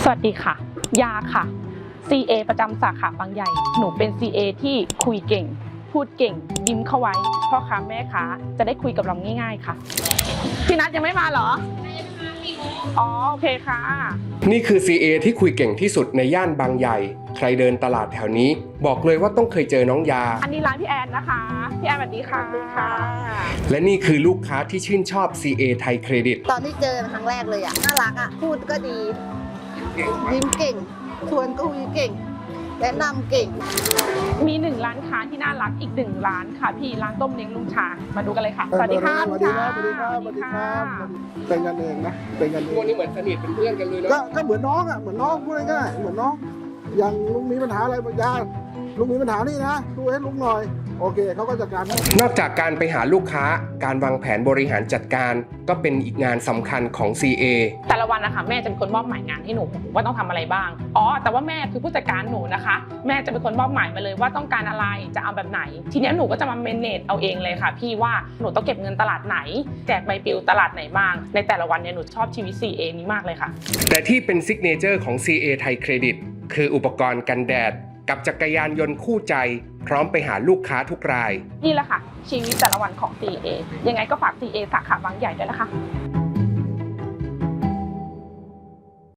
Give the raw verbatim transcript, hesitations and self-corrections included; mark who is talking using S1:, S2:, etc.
S1: สวัสดีค่ะยาค่ะ ซี เอ ประจำสาขาบางใหญ่หนูเป็น ซี เอ ที่คุยเก่งพูดเก่งยิ้มเข้าไว้พ่อค้าแม่ค้าจะได้คุยกับเราง่ายๆค่ะพี่นัทยังไม่มาเหรออ๋อโอเคค่ะ
S2: นี่คือ ซี เอ ที่คุยเก่งที่สุดในย่านบางใหญ่ใครเดินตลาดแถวนี้บอกเลยว่าต้องเคยเจอน้องยา
S1: อันนี้ร้านพี่แอนนะคะพี่แอนสวัสดีค่ะ
S2: และนี่คือลูกค้าที่ชื่นชอบ ซี เอ ไทยเครดิต
S3: ตอนที่เจอครั้งแรกเลยอ่ะน่ารักอ่ะพูดก็ดียิ้มเก่งชวนก็คุยเก่งแนะนำเก่ง
S1: มีหนึ่งร้านค้าที่น่ารักอีกหนึ่งร้านค่ะพี่ร้านต้มเล้งลุงชามาดูกันเลยค่ะสวัสดีค่ะ
S4: สวัสดีครับสวัสดีครับสวัสดีครับเป็นกันเองนะเป็นกันเอง
S2: ตัวนี้เหมือนสนิทเป็นเพื่อนกันเลยเนาะ
S4: ก็ก็เหมือนน้องอ่ะเหมือนน้องพูดง่ายๆเหมือนน้องอย่างลุงมีปัญหาอะไรบางอย่างลุงมีปัญหานี่นะดูให้ลุงหน่อยโอเคเขาก็จัดการให้
S2: นอกจากการไปหาลูกค้าการวางแผนบริหารจัดการก็เป็นอีกงานสำคัญของ ซี เอ
S1: แต่ละวันนะคะแม่จะเป็นคนมอบหมายงานให้หนูว่าต้องทำอะไรบ้างอ๋อแต่ว่าแม่คือผู้จัดการหนูนะคะแม่จะเป็นคนมอบหมายมาเลยว่าต้องการอะไรจะเอาแบบไหนทีนี้หนูก็จะมาเมเนจเอาเองเลยค่ะพี่ว่าหนูต้องเก็บเงินตลาดไหนแจกใบปลิวตลาดไหนบ้างในแต่ละวันเนี่ยหนูชอบชีวิต ซี เอ นี้มากเลยค่ะ
S2: แต่ที่เป็นซิกเนเจอร์ของ ซี เอ ไทยเครดิตคืออุปกรณ์กันแดดกับจักรยานยนต์คู่ใจพร้อมไปหาลูกค้าทุกราย
S1: นี่แหละค่ะชีวิตแต่ละวันของ ซี เอ ยังไงก็ฝาก ซี เอ สาขาบางใหญ่ด้วยนะคะ